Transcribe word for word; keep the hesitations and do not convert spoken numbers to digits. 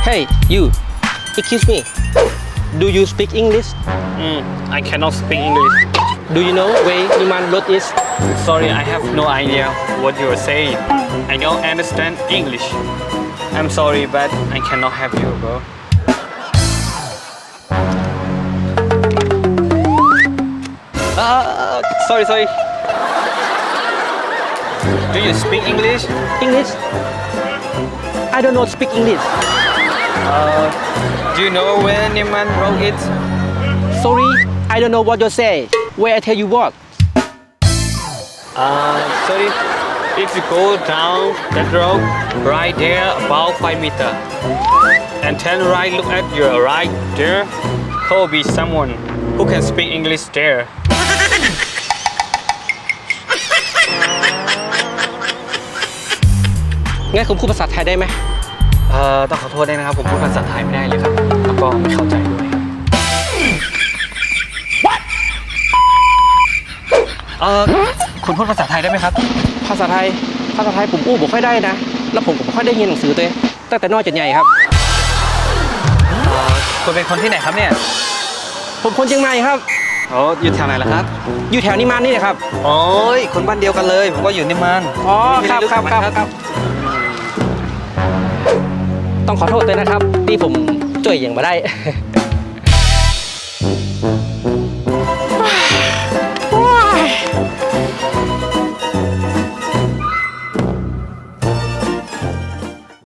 Hey you excuse me do you speak English Mm, I cannot speak English. do you know where Niman Road is Sorry, I have no idea what you are saying. I don't understand English. I'm sorry, but I cannot help you, bro. Uh, sorry, sorry. Do you speak English? English I don't know speak English Uh, do you know where Neiman Road is? sorry I don't know what you say where I tell you what Uh, sorry. If you go down that road, right there, about five meter, and turn right, look at your right there, there will be someone who can speak English there. งั้นผมพูดภาษาไทยได้ไหมเอ่อต้องขอโทษด้วยนะครับ ผมพูดภาษาไทยไม่ได้เลยครับ แล้วก็ไม่เข้าใจด้วยครับเอ่อคุณพูดภาษาไทยได้ไหมครับภาษาไทยภาษาไทยผมอู้บ่ค่อยได้นะ แล้วผมก็บ่ค่อยได้เรียนหนังสือตัวเองตั้งแต่น้อยจนใหญ่ครับเอ่อคุณเป็นคนที่ไหนครับเนี่ยผมคนเชียงใหม่ครับอ๋ออยู่แถวไหนล่ะครับอยู่แถวนิมานนี่แหละครับโอ้ยคนบ้านเดียวกันเลย ผมก็อยู่นิมมานอ๋อครับครับครับครับต้องขอโทษด้วยนะครับที่ผมช่วยอย่างมาได้